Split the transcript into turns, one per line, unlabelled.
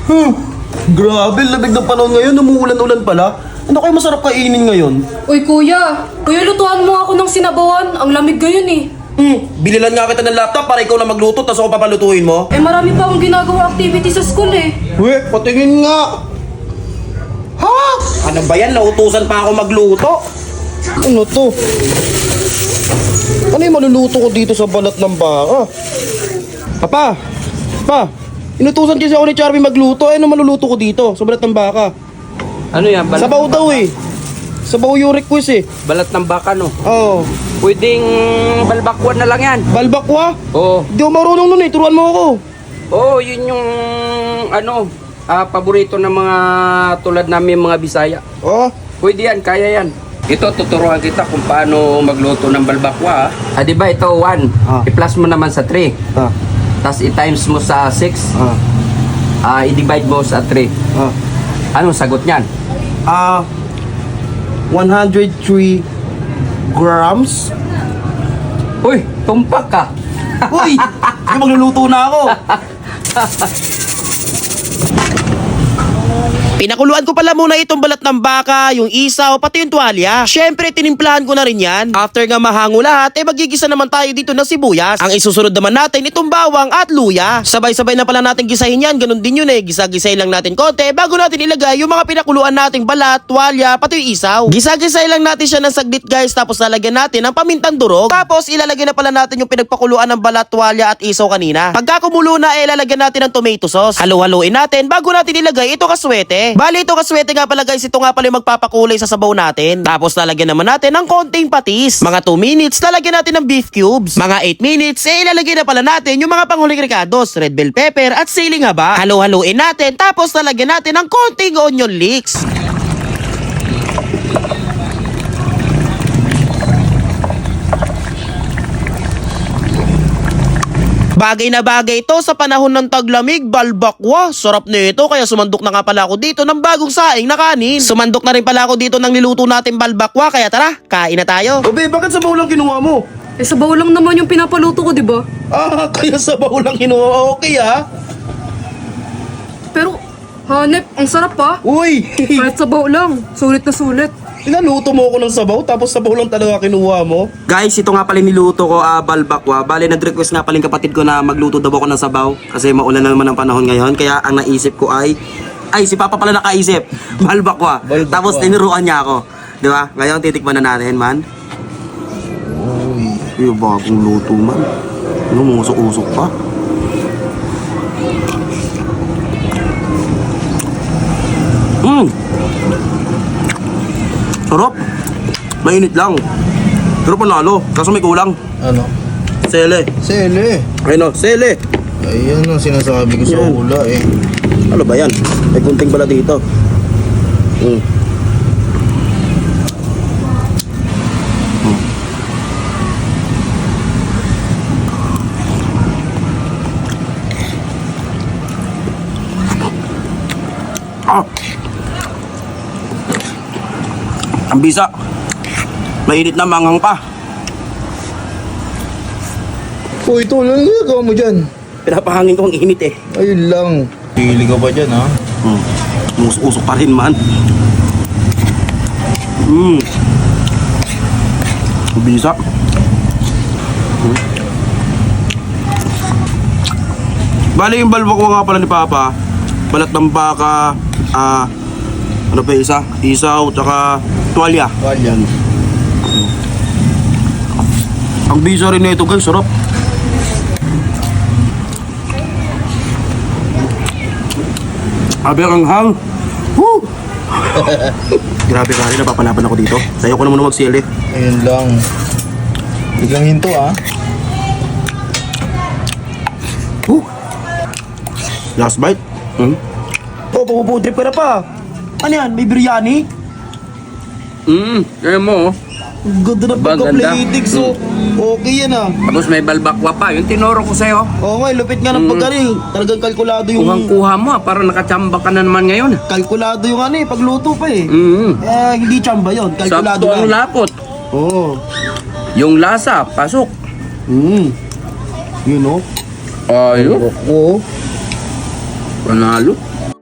Grabe, lamig ng panahon ngayon. Umuulan-ulan pala. Ano kayo masarap kainin ngayon?
Uy, kuya. Kuya, lutuan mo ako ng sinabawan. Ang lamig ngayon eh.
Bililan nga kita ng laptop para ikaw na magluto, tapos ako papalutuin mo.
Eh, marami pa akong ginagawa activity sa school eh.
Patingin nga. Ha? Ano ba yan? Nautusan pa ako magluto. Ano to? Ano yung maluluto ko dito sa balat ng baka? Pa, inutusan kasi ako ni Charmy magluto. Ano maluluto ko dito sa balat ng baka?
Ano yan? Balat
Sabaw
ng
daw
baka?
eh. Sabaw yung request eh.
Balat ng baka, no?
Oo.
Pwedeng balbakwan na lang yan.
Balbakwa?
Oo.
Hindi ako marunong nun eh. Turuan mo ako.
Oo, yun yung paborito ng mga tulad namin mga Bisaya.
Oh.
Pwede yan, kaya yan. Ito, tuturuan kita kung paano magluto ng balbakwa. Di ba ito, 1. I-plus mo naman sa 3. Tapos i-times mo sa 6. I-divide mo sa 3. Anong sagot niyan?
103 grams.
Uy, tumpak ka.
Uy! Yung magluluto na ako. Pinakuluan ko pala muna itong balat ng baka, yung isaw, pati yung tuwalya. Syempre, tinimplahan ko na rin yan. After nga mahango lahat, magigisa naman tayo dito ng sibuyas. Ang isusunod naman natin, itong bawang at luya. Sabay-sabay na pala natin gisahin yan, ganun din yun eh. Gisa-gisay lang natin konti bago natin ilagay yung mga pinakuluan nating balat, tuwalya, pati yung isaw. Gisa-gisay lang natin siya ng saglit guys, tapos lalagyan natin ng pamintang durog. Tapos ilalagay na pala natin yung pinagpakuluan ng balat, tuwalya at isaw kanina. Pagka kumulo na, lalagyan natin ng tomato sauce. Halo-haloin natin bago natin ilagay ito kaswete. Bali ito kaswete nga pala guys, ito nga pala yung magpapakulay sa sabaw natin. Tapos lalagyan naman natin ng konting patis. Mga 2 minutes, lalagyan natin ng beef cubes. Mga 8 minutes, ilalagay na pala natin yung mga panghuling ricados, red bell pepper at siling haba. Halo-haloin natin, tapos lalagyan natin ng konting onion leeks. Bagay na bagay ito sa panahon ng taglamig, balbakwa. Sarap nito kaya sumandok na nga pala ako dito ng bagong saing na kanin. Sumandok na rin pala ako dito ng niluto natin balbakwa kaya tara, kain na tayo. Obe, bakit sabaw lang kinuha mo?
Eh, sabaw lang naman yung pinapaluto ko, di ba?
Kaya sabaw lang kinuha. Okay
Pero, hanep, ang sarap pa.
Uy!
Kahit sabaw lang, sulit na sulit.
Pinaluto mo ako ng sabaw tapos sabaw lang talaga kinuha mo. Guys, ito nga pala niluto ko, balbakwa. Bale, nag-request nga pala yung kapatid ko na magluto daw ako ng sabaw kasi maulan na naman ang panahon ngayon. Kaya ang naisip ko ay si Papa pala nakaisip, balbakwa. Tapos tinuruan niya ako. Di ba? Ngayon titikman na natin, man. Uy, yung bagong luto, man. Ano, musok-usok pa. Sarap. Mainit lang. Pero panalo. Kaso may kulang.
Ano?
Sele.
Sele.
Ayun o, sele.
Ayan ang sinasabi ko sa
Yan.
ula eh.
Ano ba yan? May kunting bala dito. Ang bisa. Mainit na, manghang pa.
Uy, tol, ano ginagawa mo dyan?
Pinapahangin ko ang init eh.
Ayun lang. Pili ka ba dyan, ha?
Usok pa rin, man. Ang bisa. Bali yung balbakwa nga pala ni Papa. Balat ng baka. Ano pa isa? Isaw, tsaka tuwalya.
Walyan.
Ang bisa rin nito guys, sarap. Abi ang hang. Woo! Grabe ka rin, napapanapan ako dito. Sayo ko na muna magsili.
Ayun lang. Biglang hinto, ha?
Woo! Last bite. Pupudrip ka na pa. Ano yan? May biryani?
Kaya mo,
Ang ganda ng
Ba,
pagka-plating. So, okay yan
tapos may balbakwa pa. Yung tinuro ko sa'yo.
Oo nga, lupit nga ng pagkari. Talagang kalkulado yung...
Kuhang-kuha mo, para nakachamba ka na naman ngayon.
Kalkulado yung pagluto pa eh.
Mm.
Hindi tsamba yun. Kalkulado
Sakto ang
lang.
lapot.
Oo.
Yung lasa, pasok.
Yun o.
Ayun,
Oo.
panalo.